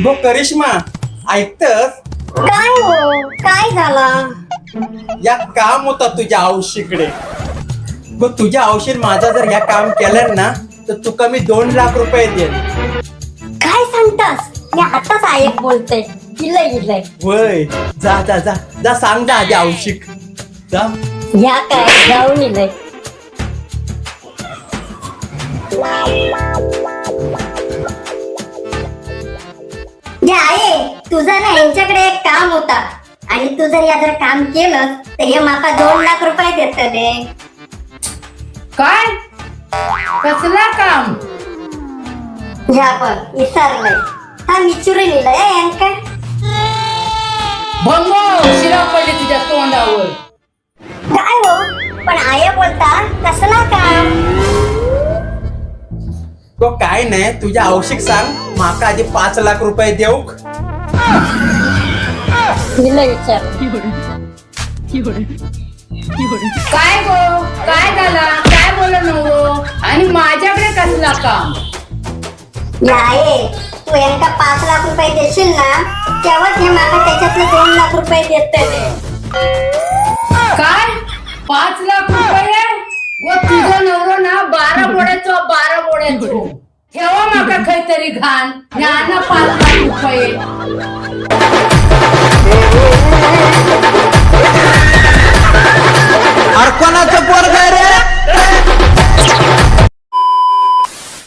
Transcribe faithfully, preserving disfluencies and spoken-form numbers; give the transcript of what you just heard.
गो करिश्मा, ऐकतस? काय हो, काय झाला? या काम होता तुझ्या औशीकडे. गो तुझ्या औषध माझा जर ह्या काम केलं ना तर तुका मी दोन लाख रुपये देईन. काय सांगतास? मी आताच ऐक बोलते. इलय इलय. वय जा जा जा जा सांग जा आधी औषिक जा. या काय जाऊन इलय. या आहे तुझा ना यांच्याकडे एक काम होता आणि तू जर या जर काम केलं तर हे माका दोन लाख रुपये देतले. काय कसला काम? ह्या पण विसरलंय. हा मिचुरी लिहिलंय यांका. भंगो शिरा पडली तुझ्या तोंडावर. काय हो पण आया बोलता कसला काम? गो काय नाही तुझ्या औषिक सांग माका आधी पाच लाख रुपये देऊ. लिहिलंय विचार. काय गो काय झाला? काय बोल नव्हो आणि माझ्याकडे कसला काम? या आहे तू यांका पाच लाख रुपये देशील ना तेव्हाच हे माका त्याच्यातले दोन लाख रुपये देतले. काय पाच लाख रुपये? व तुझा नवरो ना बारा बोड्याचो बारा बोड्याचो ठेवा माका काहीतरी घाण ज्ञान पाच लाख रुपये.